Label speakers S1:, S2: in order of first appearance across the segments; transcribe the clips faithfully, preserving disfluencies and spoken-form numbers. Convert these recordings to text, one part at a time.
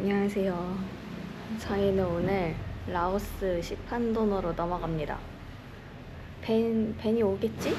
S1: 안녕하세요. 저희는 오늘 라오스 시판도너로 넘어갑니다. 벤, 벤이 오겠지?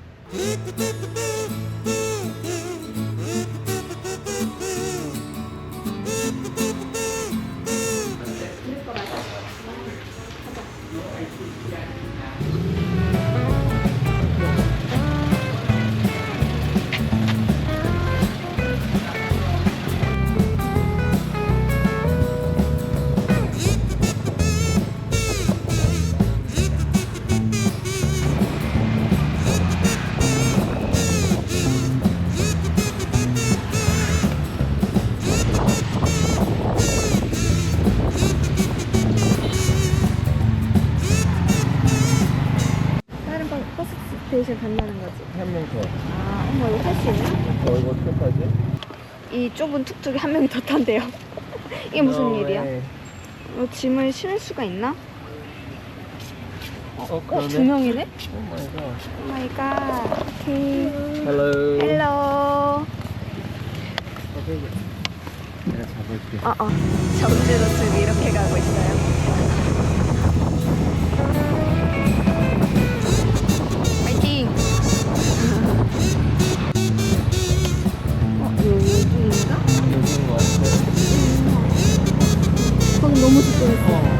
S1: 스테이션 간다는 거지.
S2: 한 명 더.
S1: 아, 어머, 이거 탈 수 있나?
S2: 어, 이거 어떡하지?
S1: 이 좁은 툭툭이 한 명이 더 탄대요. 이게 무슨
S2: No
S1: 일이야?
S2: way.
S1: 어, 짐을 실을 수가 있나?
S2: 어,
S1: 어,
S2: 그러네.
S1: 두 명이네?
S2: 오 마이 갓.
S1: 오 마이 갓. 오케이.
S2: 헬로.
S1: 헬로.
S2: 내가 잡을게.
S1: 어, 어. 정지로 지금 이렇게 가고 있어요. 파이팅! 어, 여기인가?
S2: 여기인 것 같아.
S1: 방금 너무 집중했어.
S2: 어.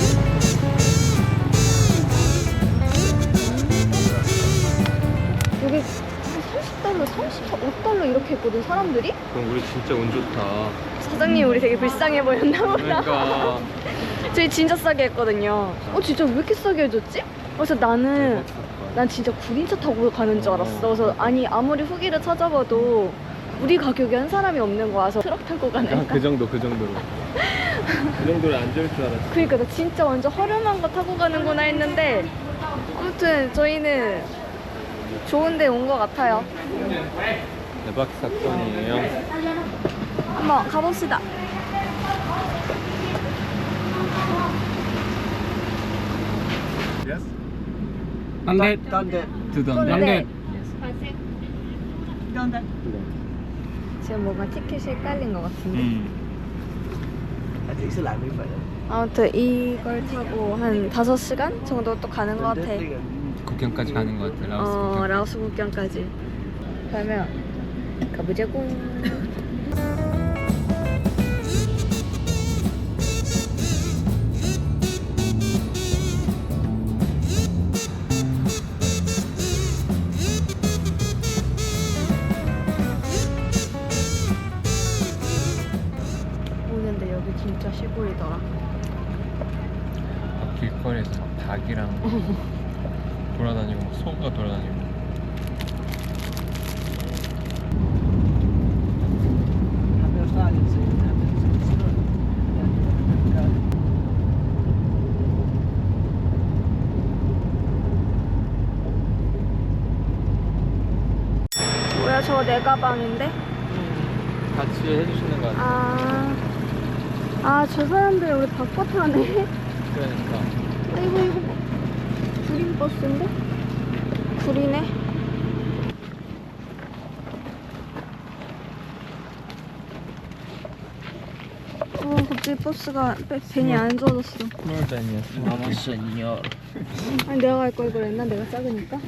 S1: 여기 삼십 달러, 삼십오 달러 이렇게 했거든, 사람들이?
S2: 그럼 우리 진짜 운 좋다.
S1: 사장님 우리 되게 불쌍해 보였나 보다.
S2: 그러니까.
S1: 저희 진짜 싸게 했거든요. 어, 진짜 왜 이렇게 싸게 해줬지? 그래서 나는 난 진짜 구린차 타고 가는 줄 알았어. 그래서 아니 아무리 후기를 찾아봐도 우리 가격에 한 사람이 없는 거야. 그래서 트럭 타고 가는
S2: 아, 그 정도, 그 정도로. 그 정도로 앉을 줄 알았어.
S1: 그러니까 나 진짜 완전 허름한 거 타고 가는구나 했는데 아무튼 저희는 좋은 데 온 것 같아요.
S2: 대박 사건이에요.
S1: 한번 가봅시다.
S2: Yes?
S3: Hundred
S2: 딴데.
S3: to the
S1: Hundred.
S3: hundred.
S1: 지금 뭔가 티켓이 헷갈린 것 같은데.
S3: 음.
S1: 아무튼 이걸 타고 한 다섯 시간 정도 또 가는 것 같아.
S3: 국경까지 가는 것 같아. 라오스
S1: 어,
S3: 국경.
S1: 라오스 국경까지. 그러면 가보자고. 오는데 여기 진짜 시골이더라.
S3: 막 길거리에서 막 닭이랑 돌아다니고 막 소가 돌아다니고.
S1: 뭐야, 저거 내 가방인데?
S2: 같이 해주시는 거 같아.
S1: 아, 아, 저 사람들 우리 바꿔 타네.
S2: 그러니까.
S1: 아이고, 이거 뭐, 구린 버스인데? 구리네. 어, 갑자기 버스가 배- 벤이 안 좋아졌어.
S2: 스몰벤이었어. 마마 세니어.
S1: 아니, 내가 갈 걸 그랬나? 내가 작으니까?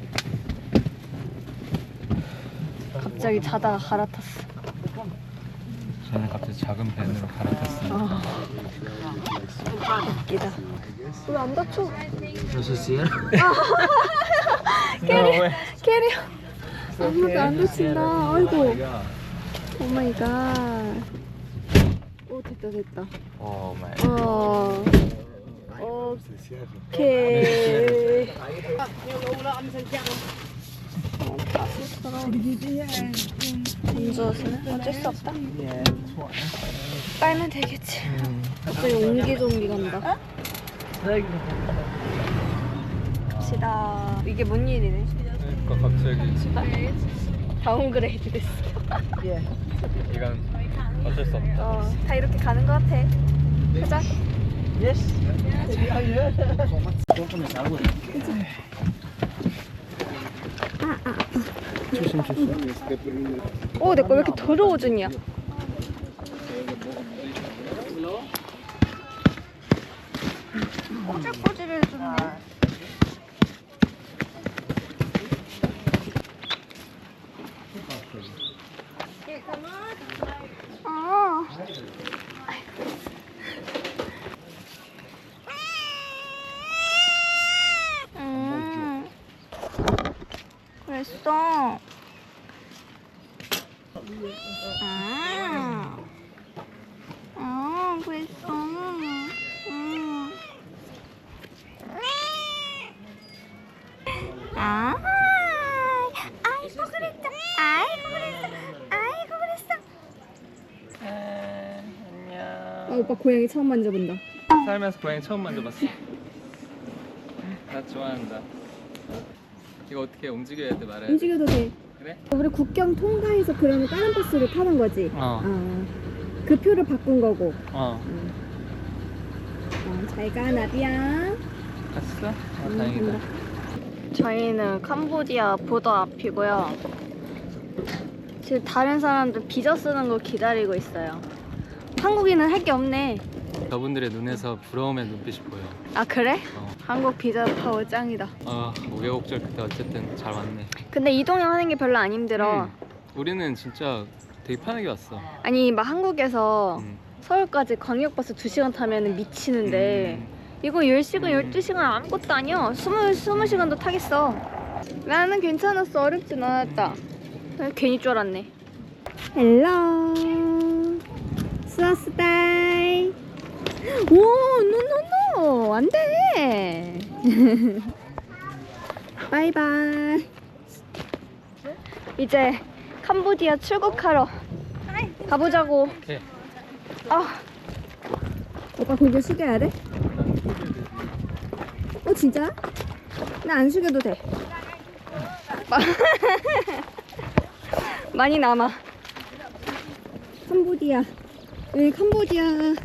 S1: 갑자기 자다가 갈아탔어.
S3: 저는 갑자기 작은 밴으로 갈아탔습니다.
S1: 아, 웃기다. 왜 안 다쳐? 캐리, 캐리. 아무도 안 다친다. 아이고. 오 마이 갓. 오, 됐다, 됐다.
S2: 오 마이.
S1: 어. 오케이. 운전은 어쩔 수 없다. 빨면 되겠지. 갑자기 옹기종기 간다. 갑시다. 이게 뭔 일이네?
S3: 그러니까 갑자기
S1: 다운그레이드 됐어.
S3: 이건 어쩔 수 없다.
S1: 어, 다 이렇게 가는 것 같아. 가자.
S2: 조심 조심.
S1: 오, 내 거 왜 이렇게 더러워졌냐? 꼬질꼬질해졌네. 아. 음. 그랬어. 아. 아, 그랬어. 음. 아. 아이고 그랬어. 아이고 그랬어. 아이고 그랬어.
S3: 안녕.
S1: 아, 오빠 고양이 처음 만져본다.
S3: 살면서 고양이 처음 만져봤어. 나 좋아한다. 이거 어떻게 움직여야 돼 말해?
S1: 움직여도 돼.
S3: 그래?
S1: 우리 국경 통과해서 그러면 다른 버스를 타는 거지.
S3: 어.
S1: 아, 그 표를 바꾼 거고.
S3: 어.
S1: 어, 잘가 나비야.
S3: 갔어? 아
S1: 음,
S3: 다행이다.
S1: 간다. 저희는 캄보디아 보더 앞이고요. 지금 다른 사람들 비자 쓰는 거 기다리고 있어요. 한국인은 할 게 없네.
S3: 저분들의 눈에서 부러움의 눈빛이 보여.
S1: 아 그래?
S3: 어.
S1: 한국 비자 파워 짱이다.
S3: 아 우여곡절 그때 어쨌든 잘 왔네.
S1: 근데 이동형 하는 게 별로 안 힘들어.
S3: 음. 우리는 진짜 되게 편하게 왔어.
S1: 아니 막 한국에서
S3: 음.
S1: 서울까지 광역버스 두 시간 타면 미치는데
S3: 음.
S1: 이거 열 시간,
S3: 음.
S1: 열두 시간 아무것도 아니야. 스무, 스무 시간도 타겠어. 나는 괜찮았어. 어렵진 않았다. 난 괜히 줄 알았네. 헬로 수아스다이. 오, 노노노. 안 돼. 바이바이. 이제 캄보디아 출국하러 가보자고.
S3: 오케이.
S1: 아, 오빠 고개 숙여야 돼? 어 진짜? 나 안 숙여도 돼. 마- 많이 남아. 캄보디아. 여기 캄보디아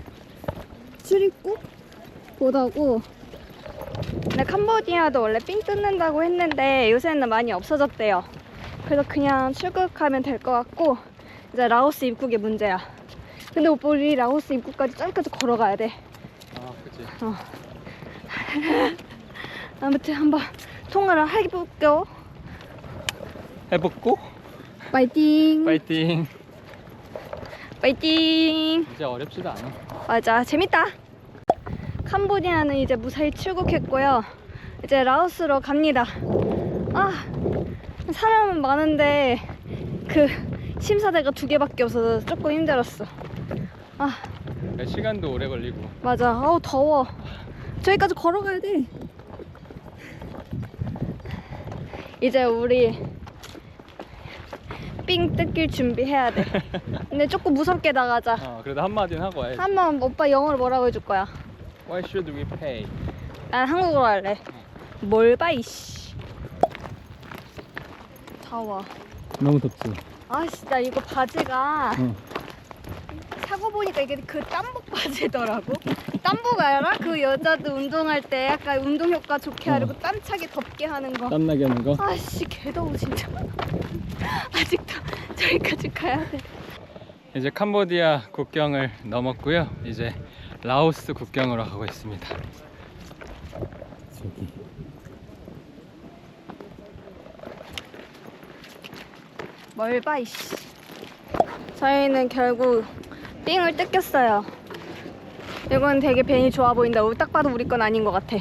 S1: 출입국 보다고. 근데 캄보디아도 원래 삥 뜯는다고 했는데 요새는 많이 없어졌대요. 그래서 그냥 출국하면 될 것 같고 이제 라오스 입국이 문제야. 근데 오빠 우리 라오스 입국까지 저기까지 걸어가야 돼.
S3: 아 그치.
S1: 어. 아무튼 한번 통화를 해볼게요.
S3: 해보고
S1: 파이팅.
S3: 파이팅.
S1: 파이팅.
S3: 이제 어렵지도 않아.
S1: 맞아, 재밌다. 캄보디아는 이제 무사히 출국했고요. 이제 라오스로 갑니다. 아, 사람은 많은데 그 심사대가 두 개밖에 없어서 조금 힘들었어. 아,
S3: 시간도 오래 걸리고.
S1: 맞아. 아우 더워. 저기까지 걸어가야 돼. 이제 우리 삥 뜯길 준비해야 돼. 근데 조금 무섭게 나가자.
S3: 어 그래도 한마디는 하고 와야지.
S1: 한번 오빠 영어로 뭐라고 해줄 거야?
S3: Why should we pay?
S1: 난 한국어로 할래. 뭘 봐 이씨. 더워.
S3: 너무 덥지.
S1: 아씨 나 이거 바지가
S3: 응.
S1: 사고 보니까 이게 그 땀복 바지더라고. 땀복 알아? 그 여자들 운동할 때 약간 운동 효과 좋게 하려고
S3: 어.
S1: 땀차게 덥게 하는 거.
S3: 땀나게 하는 거?
S1: 아씨 개더워 진짜. 아직도 저기까지 가야 돼.
S3: 이제 캄보디아 국경을 넘었고요. 이제 라오스 국경으로 가고 있습니다. 저기.
S1: 뭘 봐 이씨. 저희는 결국 삥을 뜯겼어요. 이건 되게 벤이 좋아 보인다. 딱 봐도 우리 건 아닌 것 같아.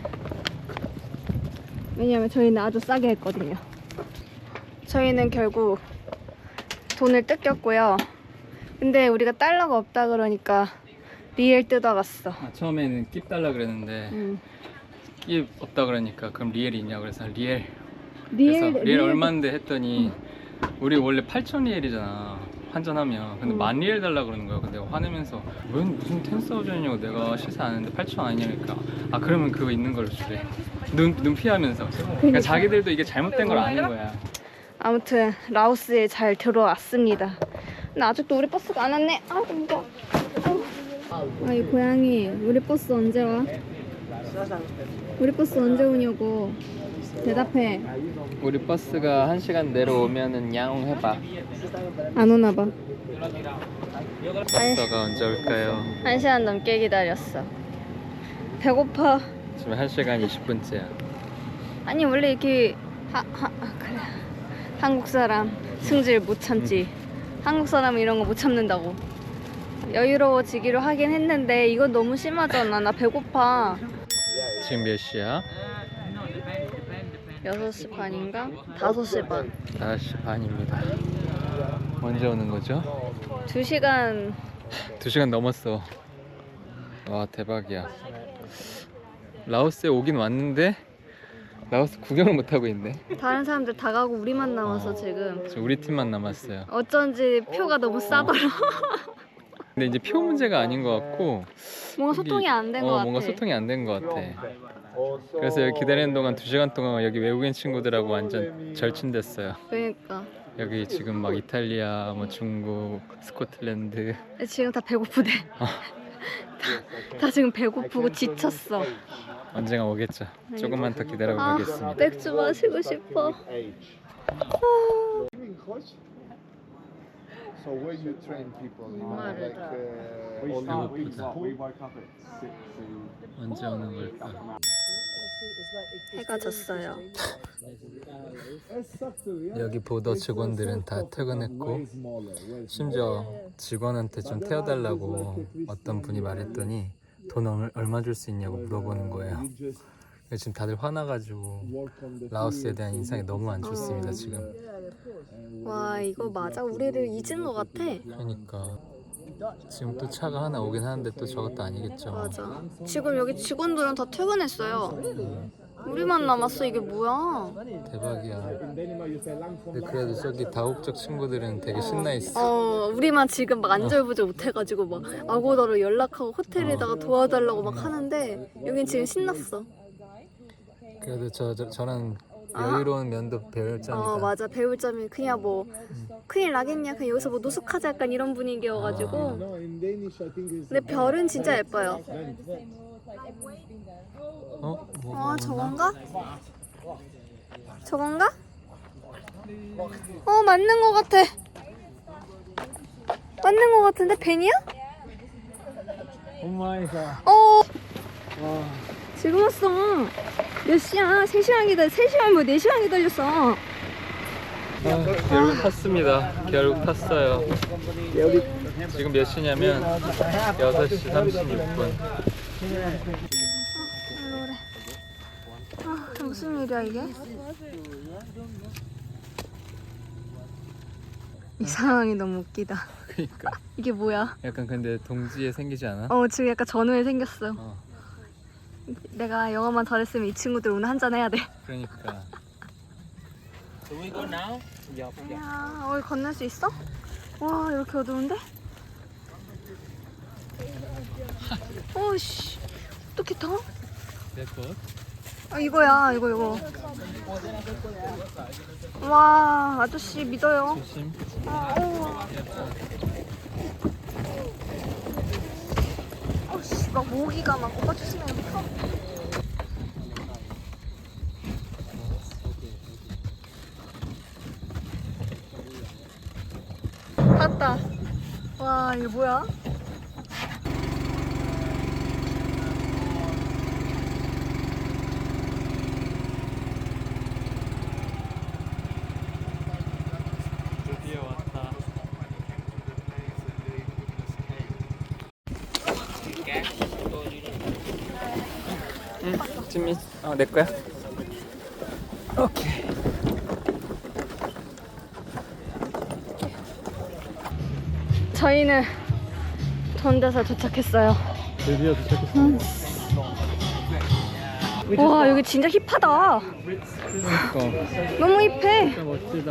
S1: 왜냐면 저희는 아주 싸게 했거든요. 저희는 결국 돈을 뜯겼고요. 근데 우리가 달러가 없다 그러니까 리엘 뜯어갔어.
S3: 아, 처음에는 깁 달라 그랬는데
S1: 음.
S3: 깁 없다 그러니까 그럼 리엘이 있냐 그래서 리엘.
S1: 리엘,
S3: 그래서 리엘 얼마인데 했더니 우리 원래 팔천 리엘이잖아 환전하면. 근데
S1: 음.
S3: 만 리엘 달라 그러는 거야. 근데 화내면서 웬 무슨 텐사우전이냐고 내가 시세 아는데 팔천 아니냐니까. 아 그러면 그거 있는 걸로 주래. 눈, 눈 피하면서. 그러니까 자기들도 이게 잘못된 걸 아는 거야.
S1: 아무튼 라오스에 잘 들어왔습니다. 근데 아직도 우리 버스가 안 왔네. 아이고 무거워. 아이 고양이 우리 버스 언제 와? 우리 버스 언제 오냐고 대답해.
S3: 우리 버스가 한 시간 내려오면은 야옹 해봐.
S1: 안 오나 봐.
S3: 버스가 언제 올까요?
S1: 한 시간 넘게 기다렸어. 배고파.
S3: 지금 한 시간 이십 분째야.
S1: 아니 원래 이렇게 하, 하, 아, 그래. 한국 사람 승질 못 참지. 응. 한국 사람은 이런 거 못 참는다고. 여유로워지기로 하긴 했는데 이건 너무 심하잖아. 나 배고파.
S3: 지금 몇 시야?
S1: 여섯 시 반인가? 다섯 시 반.
S3: 다섯 시 반입니다. 언제 오는 거죠?
S1: 두 시간.
S3: 두 시간 넘었어. 와 대박이야. 라오스에 오긴 왔는데 라오스 구경을 못 하고 있네.
S1: 다른 사람들 다 가고 우리만 남아서
S3: 어.
S1: 지금.
S3: 지금 우리 팀만 남았어요.
S1: 어쩐지 표가 너무 싸더라.
S3: 근데 이제 표 문제가 아닌 것 같고
S1: 뭔가 소통이 안 된 것
S3: 어,
S1: 같아.
S3: 뭔가 소통이 안 된 것 같아. 그래서 여기 기다리는 동안 두 시간 동안 여기 외국인 친구들하고 완전 절친됐어요.
S1: 그러니까.
S3: 여기 지금 막 이탈리아, 뭐 중국, 스코틀랜드.
S1: 지금 다 배고프대.
S3: 어.
S1: 다, 다 지금 배고프고 지쳤어.
S3: 언젠가 오겠죠. 조금만 더 기다려
S1: 아,
S3: 보겠습니다.
S1: 맥주 마시고 싶어.
S4: So where you train people? You know,
S1: 정말
S4: like uh, all
S3: Ah,
S4: the
S3: pizza.
S2: We woke up at six and
S3: 언제 오는 걸까?
S1: 해가 졌어요.
S3: 여기 보더 직원들은 다 퇴근했고 심지어 직원한테 좀 태워달라고 어떤 분이 말했더니 돈 얼- 얼마 줄 수 있냐고 물어보는 거예요. 지금 다들 화나가지고 라오스에 대한 인상이 너무 안 좋습니다 지금.
S1: 와 이거 맞아? 우리를 잊은 것 같아.
S3: 그러니까 지금 또 차가 하나 오긴 하는데 또 저것도 아니겠죠.
S1: 맞아. 지금 여기 직원들은 다 퇴근했어요. 우리만 남았어. 이게 뭐야?
S3: 대박이야. 근데 그래도 저기 다국적 친구들은 되게 신나 있어.
S1: 어 우리만 지금 막 안절부절 못해가지고 막 아고다로 연락하고 호텔에다가 도와달라고 막 하는데 여긴 지금 신났어.
S3: 그래도 저, 저 저런 여유로운 면도 배울 점이다.
S1: 어 맞아. 배울 점이 그냥 뭐 큰일 나겠냐 그냥 여기서 뭐 노숙하자 약간 이런 분위기여가지고.
S4: no, in Danish I think is
S1: 근데 별은 진짜 예뻐요.
S3: 어? 뭐,
S1: 아
S3: 뭐
S1: 저건가? 저건가? 어 맞는 것 같아. 맞는 것 같은데 벤이야?
S3: 오마이갓.
S1: 어 지금 왔어. 몇 시야? 세 시간 기다려. 세 시간 뭐 네 시간 기다렸어.
S3: 아, 결국 탔습니다. 결국 탔어요. 지금 몇 시냐면 여섯 시 삼십육 분.
S1: 아 무슨 일이야 이게? 이 상황이 너무 웃기다.
S3: 그러니까
S1: 이게 뭐야?
S3: 약간 근데 동지에 생기지 않아?
S1: 어 지금 약간 전후에 생겼어.
S3: 어,
S1: 내가 영어만 잘했으면 이 친구들 오늘 한잔 해야 돼.
S3: 그러니까.
S1: 야, 어디 건널 수 있어? 와, 이렇게 어두운데? 어씨, 어떻게 타?
S3: 내 것?
S1: 아, 이거야, 이거, 이거. 와, 아저씨 믿어요.
S3: 조심.
S1: 아, 어. 어씨, 막 모기가 막 오빠 조심해. 어. 탔다. 와, 이거 뭐야?
S3: 드디어 왔다. 응, 지민. 어, 내 거야. 오케이.
S1: 저희는 전대사 도착했어요.
S3: 드디어 도착했어.
S1: 와, 여기 진짜 힙하다.
S3: 그러니까
S1: 너무 힙해.
S3: 진짜 멋지다.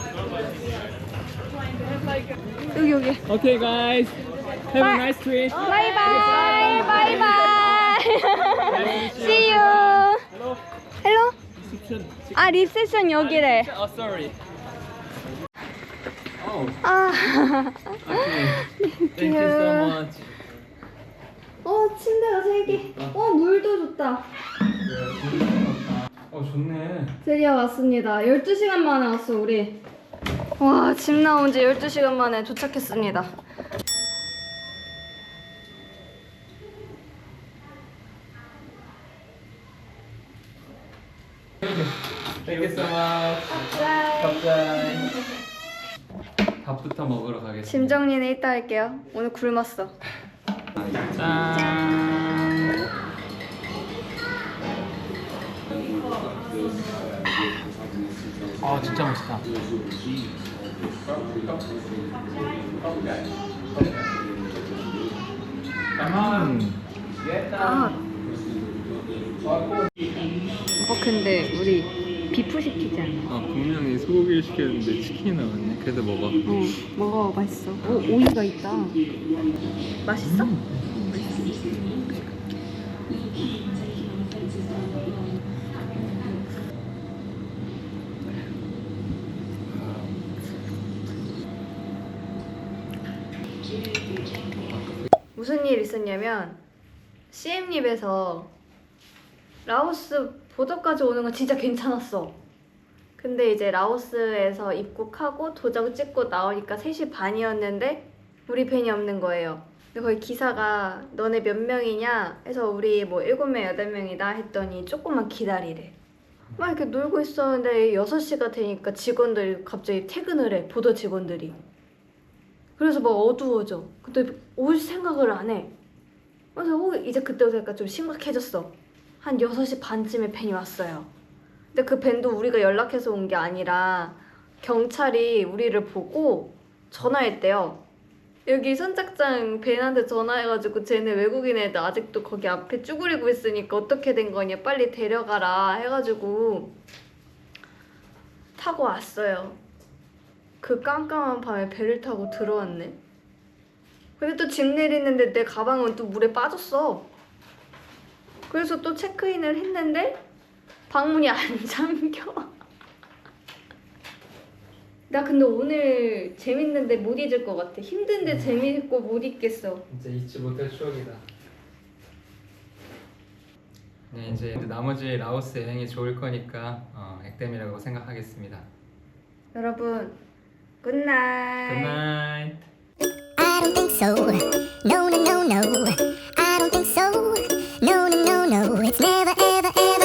S1: 여기, 여기.
S3: Okay, guys. Have a nice trip.
S1: 바이바이. 바이바이. See you. 헬로? 아, 리셉션 여기래.
S3: Oh, sorry. Oh,
S1: 아.
S3: thank you so much.
S1: 어, 침대가 세 개. 어, 물도 좋다.
S3: 어, 좋네.
S1: 드디어 왔습니다. 열두 시간 만에 왔어, 우리. 와, 집 나온 지 열두 시간 만에 도착했습니다.
S3: Thank you so much. 갑자이. 밥부터 먹으러 가겠습니다.
S1: 짐 정리는 이따 할게요. 오늘 굶었어.
S3: 짠. 아 진짜 맛있다. 음.
S1: 아. 어 근데 우리 비프 시키지 않아?
S3: 아 분명히 소고기를 시켰는데 치킨이 나왔네. 그래도 먹어.
S1: 어 먹어 맛있어. 오 오이가 있다. 맛있어? 무슨 일 있었냐면 씨엠립에서 라오스 보도까지 오는 건 진짜 괜찮았어. 근데 이제 라오스에서 입국하고 도장 찍고 나오니까 세 시 반이었는데 우리 벤이 없는 거예요. 근데 거기 기사가 너네 몇 명이냐 해서 우리 뭐 일곱 명, 여덟 명이다 했더니 조금만 기다리래. 막 이렇게 놀고 있었는데 여섯 시가 되니까 직원들이 갑자기 퇴근을 해. 보도 직원들이. 그래서 막 어두워져. 근데 올 생각을 안 해. 그래서 어, 이제 그때부터 약간 좀 심각해졌어. 한 여섯 시 반쯤에 벤이 왔어요. 근데 그 벤도 우리가 연락해서 온 게 아니라 경찰이 우리를 보고 전화했대요. 여기 선착장 벤한테 전화해가지고 쟤네 외국인 애들 아직도 거기 앞에 쭈그리고 있으니까 어떻게 된 거냐 빨리 데려가라 해가지고 타고 왔어요. 그 깜깜한 밤에 배를 타고 들어왔네. 근데 또 짐 내리는데 내 가방은 또 물에 빠졌어. 그래서 또 체크인을 했는데 방문이 안 잠겨. 나 근데 오늘 재밌는데 못 잊을 것 같아. 힘든데 재밌고 못 잊겠어.
S3: 진짜 잊지 못할 추억이다. 네 이제 나머지 라오스 여행이 좋을 거니까 어, 액땜이라고 생각하겠습니다.
S1: 여러분 굿나잇.
S3: 굿나잇.
S5: I don't think so. No, no, no, no. I don't think so. No, no, no, no. It's never, ever, ever.